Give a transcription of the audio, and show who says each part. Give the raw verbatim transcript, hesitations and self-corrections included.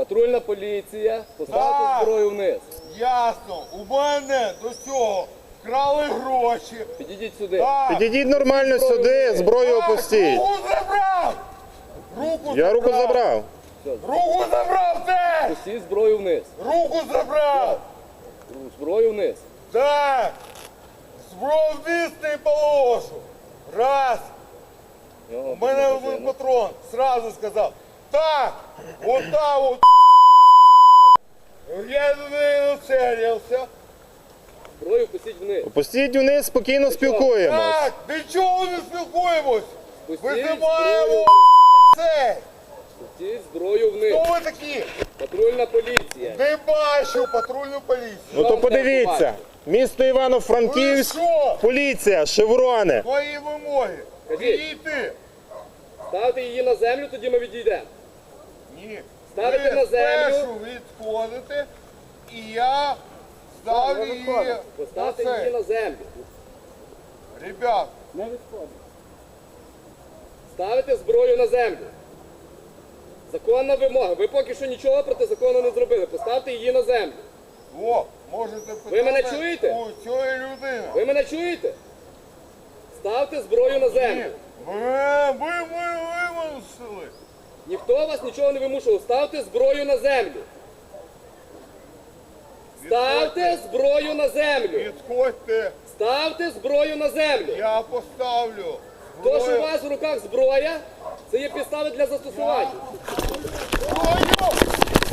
Speaker 1: Патрульна поліція, поставте
Speaker 2: Так.
Speaker 1: зброю вниз.
Speaker 2: Ясно. У мене до цього вкрали гроші.
Speaker 1: Підійдіть сюди.
Speaker 2: Так.
Speaker 3: Підійдіть нормально сюди, зброю
Speaker 2: Так,
Speaker 3: опустіть.
Speaker 2: руку забрав! Руку
Speaker 3: Я руку забрав.
Speaker 2: Руку забрав теж!
Speaker 1: Пустіть зброю вниз.
Speaker 2: Руку забрав!
Speaker 1: Зброю вниз.
Speaker 2: Так! Зброю вниз не положу! Раз!
Speaker 1: Його
Speaker 2: У мене
Speaker 1: потрібно
Speaker 2: один патрон, сразу сказав. Так! Вот так вот! Я до неї нацелився.
Speaker 1: Зброю пустіть вниз.
Speaker 3: Опустіть вниз, спокійно спілкуємось.
Speaker 2: Так! Нічого не спілкуємось!
Speaker 1: Пустіть зброю
Speaker 2: Визиваємо
Speaker 1: вниз.
Speaker 2: цей!
Speaker 1: Пустіть зброю вниз.
Speaker 2: Хто ви такі?
Speaker 1: Патрульна поліція.
Speaker 2: Не бачу патрульну поліцію.
Speaker 3: Ну то подивіться. Місто Івано-Франківськ,
Speaker 2: Ви що?
Speaker 3: поліція, шеврони.
Speaker 2: Твої вимоги.
Speaker 1: Кажіть.
Speaker 2: Відійти.
Speaker 1: Ставте її на землю, тоді ми відійдемо.
Speaker 2: Ні.
Speaker 1: Ставите
Speaker 2: Ви
Speaker 1: на землю.
Speaker 2: спершу відходите, і я ставлю її на
Speaker 1: Поставте її
Speaker 2: це.
Speaker 1: на землю.
Speaker 2: Ребят,
Speaker 1: Ставите зброю на землю. Законна вимога. Ви поки що нічого проти закону не зробили. Поставте її на землю.
Speaker 2: о, можете питати
Speaker 1: Ви мене чуєте?
Speaker 2: у цієї людини.
Speaker 1: Ви мене чуєте? Ставте зброю на
Speaker 2: Ні.
Speaker 1: землю.
Speaker 2: Ви, ви, ви вимусили.
Speaker 1: Ніхто вас нічого не вимушував. Ставте зброю на землю. Ставте зброю на землю.
Speaker 2: Відходьте,
Speaker 1: Ставте зброю на землю.
Speaker 2: я поставлю.
Speaker 1: То, що у
Speaker 2: зброю.
Speaker 1: вас в руках зброя, це є підстави для застосування.
Speaker 2: Зброю!